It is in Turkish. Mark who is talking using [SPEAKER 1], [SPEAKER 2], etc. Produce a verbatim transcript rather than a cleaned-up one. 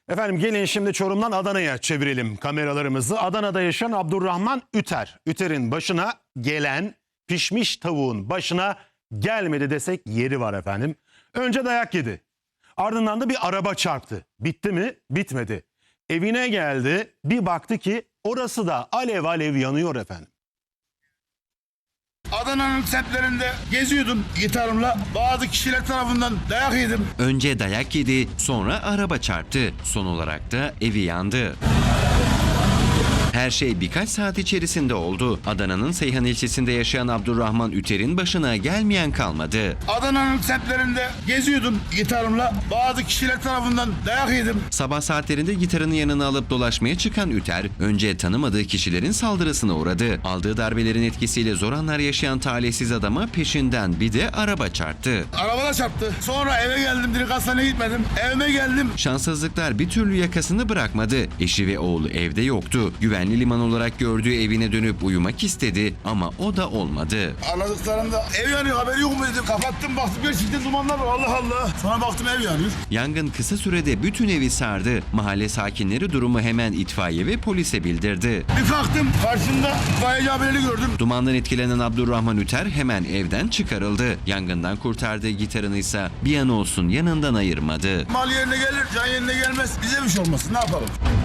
[SPEAKER 1] Efendim gelin şimdi Çorum'dan Adana'ya çevirelim kameralarımızı. Adana'da yaşayan Abdurrahman Üter. Üter'in başına gelen pişmiş tavuğun başına gelmedi desek yeri var efendim. Önce dayak yedi. Ardından da bir araba çarptı. Bitti mi? Bitmedi. Evine geldi. Bir baktı ki orası da alev alev yanıyor efendim.
[SPEAKER 2] Adana'nın semtlerinde geziyordum gitarımla. Bazı kişiler tarafından dayak yedim.
[SPEAKER 3] Önce dayak yedi, sonra araba çarptı. Son olarak da evi yandı. Her şey birkaç saat içerisinde oldu. Adana'nın Seyhan ilçesinde yaşayan Abdurrahman Üter'in başına gelmeyen kalmadı.
[SPEAKER 2] Adana'nın semtlerinde geziyordum gitarımla. Bazı kişiler tarafından dayak yedim.
[SPEAKER 3] Sabah saatlerinde gitarını yanına alıp dolaşmaya çıkan Üter, önce tanımadığı kişilerin saldırısına uğradı. Aldığı darbelerin etkisiyle zor anlar yaşayan talihsiz adama peşinden bir de araba çarptı.
[SPEAKER 2] Arabada çarptı. Sonra eve geldim. Direkt hastaneye gitmedim. Evime geldim.
[SPEAKER 3] Şanssızlıklar bir türlü yakasını bırakmadı. Eşi ve oğlu evde yoktu. Güvenli liman olarak gördüğü evine dönüp uyumak istedi ama o da olmadı.
[SPEAKER 2] Anladıklarında ev yanıyor, haberi yok mu dedim. Kapattım, baktım gerçekten dumanlar var. Allah Allah. Sonra baktım ev yanıyor.
[SPEAKER 3] Yangın kısa sürede bütün evi sardı. Mahalle sakinleri durumu hemen itfaiye ve polise bildirdi.
[SPEAKER 2] Bir kalktım, karşımda itfaiyeci abileri gördüm.
[SPEAKER 3] Dumandan etkilenen Abdurrahman Üter hemen evden çıkarıldı. Yangından kurtardığı gitarını ise bir an olsun yanından ayırmadı.
[SPEAKER 2] Mal yerine gelir, can yerine gelmez. Bize bir şey olmasın, ne yapalım?